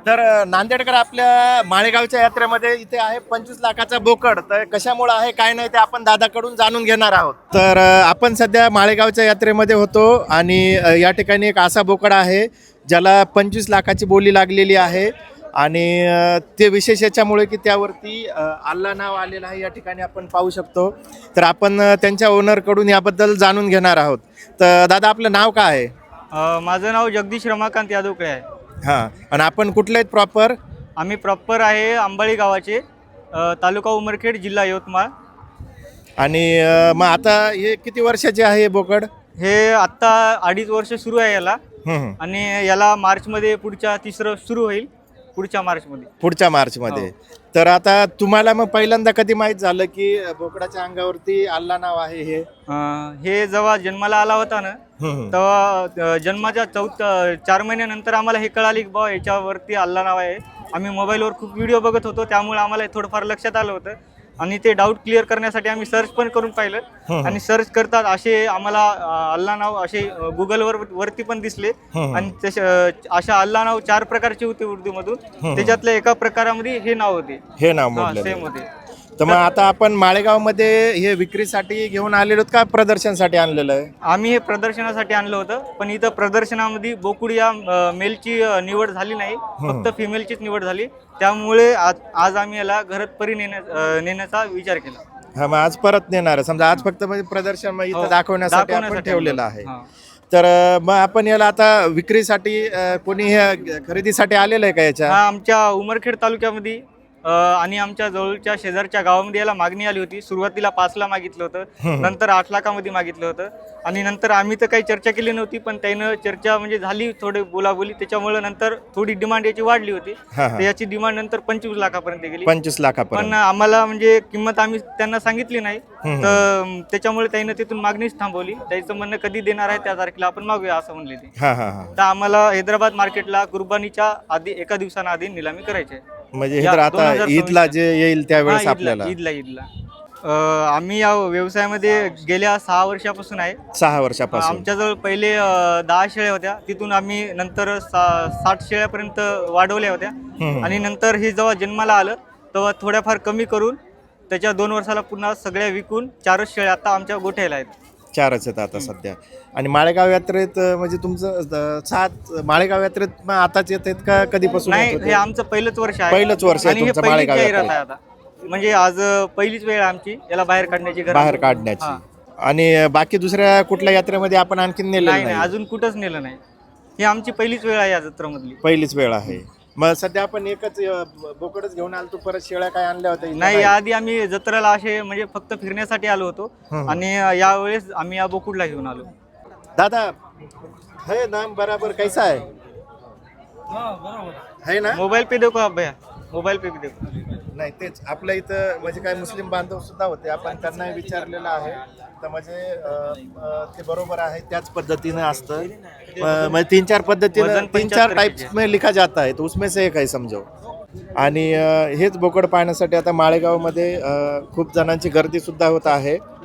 तर नांदेडकर आपल्या माळेगावच्या यात्रेमध्ये इथे आहे 25 लाखाचा बोकड. तर कशामुळे आहे काय नाही ते आपण दादाकडून जाणून घेणार आहोत. तर आपण सध्या माळेगावच्या यात्रेमध्ये होतो आणि या ठिकाणी एक असा बोकड आहे ज्याला 25 लाखाची बोली लागलेली आहे आणि ते विशेष याच्यामुळे की त्यावरती अल्ला नाव आलेलं आहे या ठिकाणी आपण पाहू शकतो. तर आपण त्यांच्या ओनरकडून याबद्दल जाणून घेणार आहोत. तर दादा आपलं नाव काय आहे? माझं नाव जगदीश रमाकांत यादवकडे आहे. हां, आणि आपण कुठले आहेत प्रॉपर? आम्ही प्रॉपर आहे अंबाळी गावाचे, तालुका उमरखेड, जिल्हा यवतमाळ. आणि मग आता हे किती वर्षाचे आहे हे बोकड? हे आत्ता 2.5 वर्ष सुरू आहे याला. हं. आणि याला मार्चमध्ये पुढच्या तिसरं सुरू होईल, पुढच्या मार्चमध्ये. पुढच्या मार्चमध्ये. तर आता तुम्हाला मग पहिल्यांदा कधी माहीत झालं की बोकडाच्या अंगावरती अल्ला नाव आहे हे? हे जेव्हा जन्माला आला होता ना, तेव्हा जन्माच्या 4 महिन्यानंतर आम्हाला हे कळाले की बाबा याच्यावरती अल्ला नाव आहे. आम्ही मोबाईलवर खूप व्हिडिओ बघत होतो, त्यामुळे आम्हाला थोडंफार लक्षात आलं होतं. आणि ते डाऊट क्लिअर करण्यासाठी आम्ही सर्च पण करून पाहिलं आणि सर्च करतात असे आम्हाला अल्ला नाव असे गुगलवर वरती पण दिसले. आणि अशा अल्ला नाव 4 प्रकारचे होते उर्दूमधून. त्याच्यातल्या एका प्रकारामध्ये हे नाव होते, हे नाव म्हटलं सेम होते. तर मग आता आपण माळेगावमध्ये हे विक्रीसाठी घेऊन आलेलो का प्रदर्शनासाठी आणलेलं आहे? आम्ही हे प्रदर्शनासाठी आणलं होतं, पण इथं प्रदर्शनामध्ये बोकुड या मेलची निवड झाली नाही, फक्त फिमेलचीच निवड झाली. त्यामुळे आज आम्ही याला घरात परी नेण्याचा विचार केला. हा, मग आज परत नेणार समजा. आज फक्त म्हणजे प्रदर्शन मग इथं दाखवण्यासाठी आपण ठेवलेलं आहे. तर मग आपण याला आता विक्रीसाठी कोणी हे खरेदीसाठी आलेलं आहे का याच्या? हा, आमच्या उमरखेड तालुक्यामध्ये आणि आमच्या जवळच्या शेजारच्या गावामध्ये याला मागणी आली होती. सुरुवातीला 5 ला मागितलं होतं, नंतर 8 लाखामध्ये मागितलं होतं. आणि नंतर आम्ही तर काही चर्चा केली नव्हती, पण त्यानं चर्चा म्हणजे झाली थोडी बोलाबोली, त्याच्यामुळे नंतर थोडी डिमांड याची वाढली होती. तर याची डिमांड नंतर 25 लाखापर्यंत गेली. 25 लाखापर्यंत. पण आम्हाला म्हणजे किंमत आम्ही त्यांना सांगितली नाही, तर त्याच्यामुळे त्यानं तिथून मागणीच थांबवली. त्याचं म्हणणं कधी देणार आहे त्या तारखेला आपण मागूया असं म्हणले ते. तर आम्हाला हैदराबाद मार्केटला कुर्बानीच्या आधी 1 दिवसानं आधी निलामी करायची आहे. म्हणजे हे तर आता ईदला जे येईल त्यावेळेस आपल्याला ईदला आम्ही या व्यवसायामध्ये गेल्या 6 वर्षापासून आहे. 6 वर्षापासून आमच्याजवळ पहिले 10 शेळ्या होत्या, तिथून आम्ही नंतर 60 शेळ्यापर्यंत वाढवल्या होत्या. आणि नंतर हे जेव्हा जन्माला आलं तेव्हा थोड्याफार कमी करून त्याच्या 2 वर्षाला पुन्हा सगळ्या विकून 4च शेळ्या आता आमच्या गोठ्याला आहेत. 4च आहेत आता सध्या. आणि माळेगाव यात्रेत म्हणजे तुमचं 7 माळेगाव यात्रेत आताच येत आहेत का कधीपासून? नाही, हे आमचं पहिलंच वर्ष आहे. पहिलंच वर्ष आहे तुमचं माळेगाव यात्रेत. आता म्हणजे आज पहिलीच वेळ आमची याला बाहेर काढण्याची. आणि बाकी दुसऱ्या कुठल्या यात्रेमध्ये आपण आणखीन नेलं नाही? अजून कुठंच नेलं नाही. ही आमची पहिलीच वेळ आहे या जत्रेमधली. पहिलीच वेळ आहे. मग सध्या आपण एकच बोकडच घेऊन आलो, तू परत शेळ्या काय आणल्या होत्या? नाही, याआधी आम्ही जत्रेला असे म्हणजे फक्त फिरण्यासाठी आलो होतो आणि यावेळेस आम्ही या बोकुडला घेऊन आलो. दादा है नाम बराबर कैसा है? है ना? मोबाईल पे देखो आप भैया, मोबाईल पे भी देखो. नाही, तेच आपल्या इथं म्हणजे काय मुस्लिम बांधव सुद्धा होते, आपण त्यांनाही विचारलेलं आहे. तर म्हणजे ते बरोबर आहे, त्याच पद्धतीने असतं. म्हणजे 3-4 पद्धतीने 3-4 टाइप्स में लिखा जाता है, तो उसमें से एक आहे समजो. आणि हेच बोकड पाहण्यासाठी आता माळेगावमध्ये खूप जणांची गर्दी सुद्धा होत आहे.